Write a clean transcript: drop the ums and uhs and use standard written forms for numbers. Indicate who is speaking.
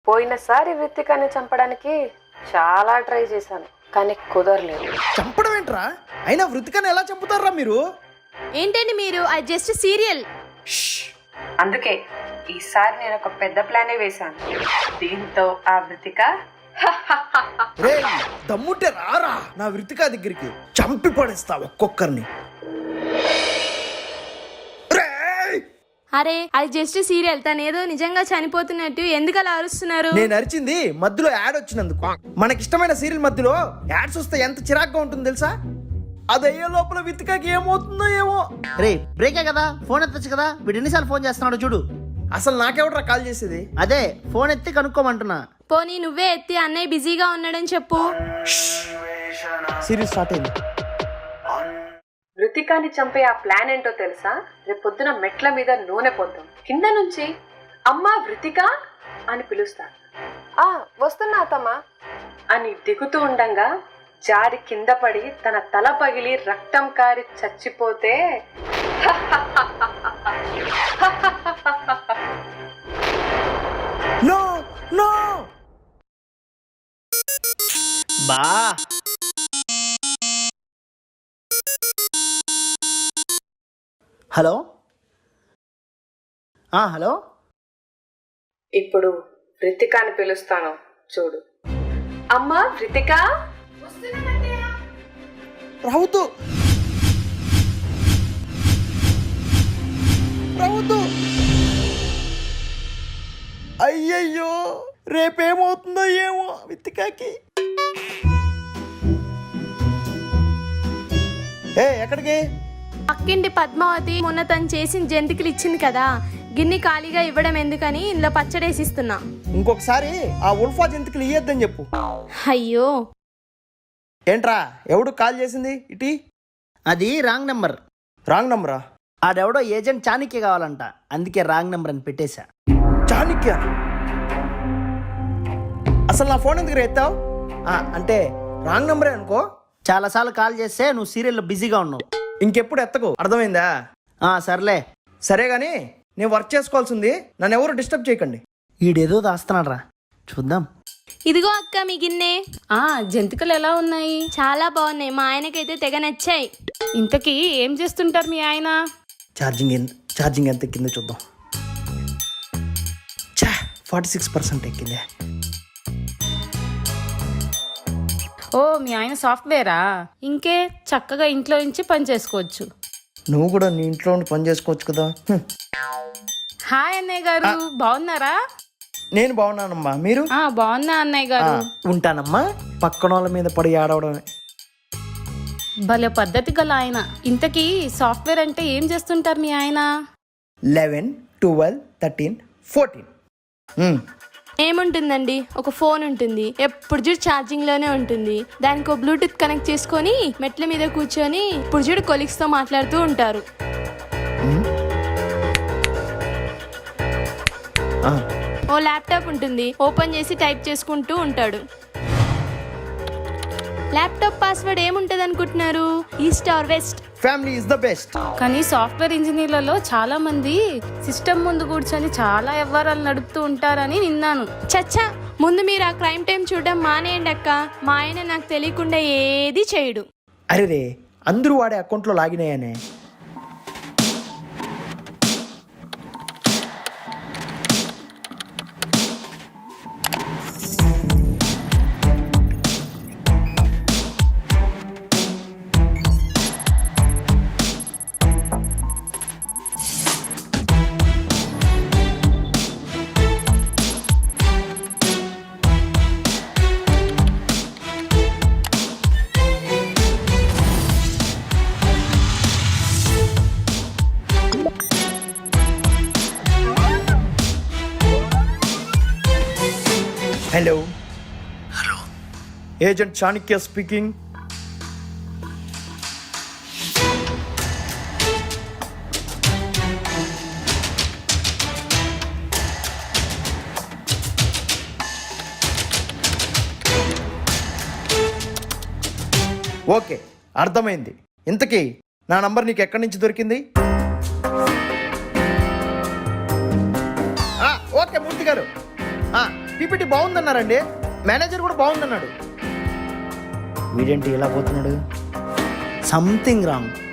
Speaker 1: పోయినసారి రితికాని చంపడానికి చాలా ట్రై చేశాను, కానీ కుదరలేదు.
Speaker 2: చంపడం ఏంట్రా? అయినా వృతికని ఎలా చంపుతారా మీరు?
Speaker 3: ఏంటండి మీరు? అది జస్ట్ సీరియల్.
Speaker 1: అందుకే ఈసారి నేను ఒక పెద్ద ప్లానే వేశాను. దీంతో ఆ వృతిక
Speaker 2: రేయ్, దమ్ముంటే రారా నా వృతిక దగ్గరికి, చంపి పడేస్తా ఒక్కొక్కరిని.
Speaker 3: అరే అది జస్ట్ సీరియల్. తనేదో నిజంగా చనిపోతున్నట్టు ఎందుకు అలా అరుస్తున్నారు?
Speaker 2: నేను అరిచింది మధ్యలో యాడ్ వచ్చినందుకు. మనకిష్టమైన సీరియల్ మధ్యలో యాడ్స్ వస్తే ఎంత చిరాగ్గా ఉంటుంది తెలుసా? అదయ్యే లోపల వితికకి ఏమవుతుందో ఏమో.
Speaker 4: రే బ్రేకే కదా, ఫోన్ ఎత్తచ్చు కదా. వీడు ఎన్నిసార్లు ఫోన్ చేస్తున్నాడు చూడు.
Speaker 2: అసలు నాకెవడరా కాల్ చేసేది?
Speaker 4: అదే ఫోన్ ఎత్తి కనుక్కోమంటున్నా.
Speaker 3: పోనీ నువ్వే ఎత్తి అన్నయ్య బిజీగా ఉన్నాడని చెప్పు.
Speaker 2: సీరియల్ స్టార్ట్ అయింది.
Speaker 1: వృతికాని చంపే ఆ ప్లాన్ ఏంటో తెలుసా? రేపొద్దున మెట్ల మీద నూనె పోద్దాం, కింద నుంచి అమ్మా వృతిక అని పిలుస్తా. వస్తున్నా అత్తమ్మా అని దిగుతూ ఉండంగా జారి కింద పడి తన తల పగిలి రక్తం కారి చచ్చిపోతే
Speaker 2: నో నో
Speaker 4: బా హలో హలో.
Speaker 1: ఇప్పుడు వృతికాని పిలుస్తాను చూడు. అమ్మా వృతిక.
Speaker 2: రావద్దు రావద్దు. అయ్యయ్యో, రేపేమవుతుందో ఏమో విత్తికాకి. ఎక్కడికి?
Speaker 3: పక్కింటి పద్మావతి మొన్న తను చేసిన జంతికలు ఇచ్చింది కదా, గిన్నె ఖాళీగా ఇవ్వడం ఎందుకని ఇందులో పచ్చడేసిస్తున్నా.
Speaker 2: ఇంకొకసారి ఆ ఉల్ఫా జంతికలు ఇయ్యొద్దని చెప్పు.
Speaker 3: అయ్యో
Speaker 2: ఏంట్రా, ఎవడు కాల్ చేసింది ఇటీ?
Speaker 4: అది రాంగ్ నెంబర్.
Speaker 2: రాంగ్ నంబరా?
Speaker 4: ఆడెవడో ఏజెంట్ చాణక్య కావాలంట, అందుకే రాంగ్ నెంబర్ అని పెట్టేశా.
Speaker 2: చాణక్య? అసలు నా ఫోన్ ఎందుకు ఎత్తావు? అంటే రాంగ్ నంబరే అనుకో.
Speaker 4: చాలాసార్లు కాల్ చేస్తే నువ్వు సీరియల్లో బిజీగా ఉన్నావు.
Speaker 2: ఇంకెప్పుడు ఎత్తకు, అర్థమైందా?
Speaker 4: సర్లే.
Speaker 2: సరే గాని నేను వర్క్ చేసుకోవాల్సింది, నన్ను ఎవరు డిస్టర్బ్ చేయకండి.
Speaker 4: ఈడేదో దాస్తున్నాడు రా, చూద్దాం.
Speaker 3: ఇదిగో అక్క మీ గిన్నె.
Speaker 5: జంతికలు ఎలా ఉన్నాయి?
Speaker 3: చాలా బాగున్నాయి, మా ఆయనకైతే తెగ నచ్చాయి.
Speaker 5: ఇంతకీ ఏం చేస్తుంటారు మీ ఆయన?
Speaker 2: ఛార్జింగ్ ఎంత ఎక్కిందో చూద్దాం. 46% ఎక్కిందే.
Speaker 5: ఓ మీ ఆయన సాఫ్ట్వేరా? ఇంకే చక్కగా ఇంట్లో నుంచి పని చేసుకోవచ్చు.
Speaker 2: నువ్వు కూడా నీ ఇంట్లో ఉండి పని చేసుకోవచ్చు కదా.
Speaker 5: హాయ్ అన్నయ్య గారు, బాగున్నారా?
Speaker 2: నేను బాగున్నానమ్మా, మీరు?
Speaker 5: బాగున్నా అన్నయ్య గారు.
Speaker 2: ఉంటానమ్మా, పక్కన వాళ్ళ మీద పడి ఆడవడమే.
Speaker 5: భలే పద్ధతి గల ఆయన. ఇంతకీ సాఫ్ట్వేర్ అంటే ఏం చేస్తుంటారు మీ ఆయన?
Speaker 2: 11, 12, 13, 14.
Speaker 3: ఏముంటుందండి, ఒక ఫోన్ ఉంటుంది, ఎప్పుడు చూడు ఛార్జింగ్ లోనే ఉంటుంది. దానికి ఒక బ్లూటూత్ కనెక్ట్ చేసుకొని మెట్ల మీద కూర్చొని ఇప్పుడు చూడు కొలీగ్స్ తో మాట్లాడుతూ ఉంటారు. ఓ ల్యాప్టాప్ ఉంటుంది, ఓపెన్ చేసి టైప్ చేసుకుంటూ ఉంటాడు. ల్యాప్టాప్ పాస్వర్డ్ ఏముంటది అనుకుంటున్నారు? East or west.
Speaker 2: Family is the best.
Speaker 5: కానీ సాఫ్ట్వేర్ ఇంజనీర్లలో చాలా మంది సిస్టమ్ ముందు కూర్చొని చాలా వ్యవహారాలు నడుపుతూ ఉంటారని విన్నాను.
Speaker 3: చచ్చా, ముందు మీరు ఆ క్రైమ్ టైం చూడడం మానేయండి అక్క. మా ఆయన నాకు తెలియకుండా ఏది చేయడు.
Speaker 2: అరే, అందరూ వాడే అకౌంట్లో లాగిన్ అయ్యానే. Hello. Agent Chanakya speaking. Okay, అర్థమైంది. ఇంతకీ నా నంబర్ నీకు ఎక్కడి నుంచి దొరికింది? ఓకే మూర్తి గారు, పీపీటీ బాగుందన్నారండి. మేనేజర్ కూడా బాగుందన్నాడు.
Speaker 4: వీడేంటి ఇలా పోతున్నాడు? Something wrong.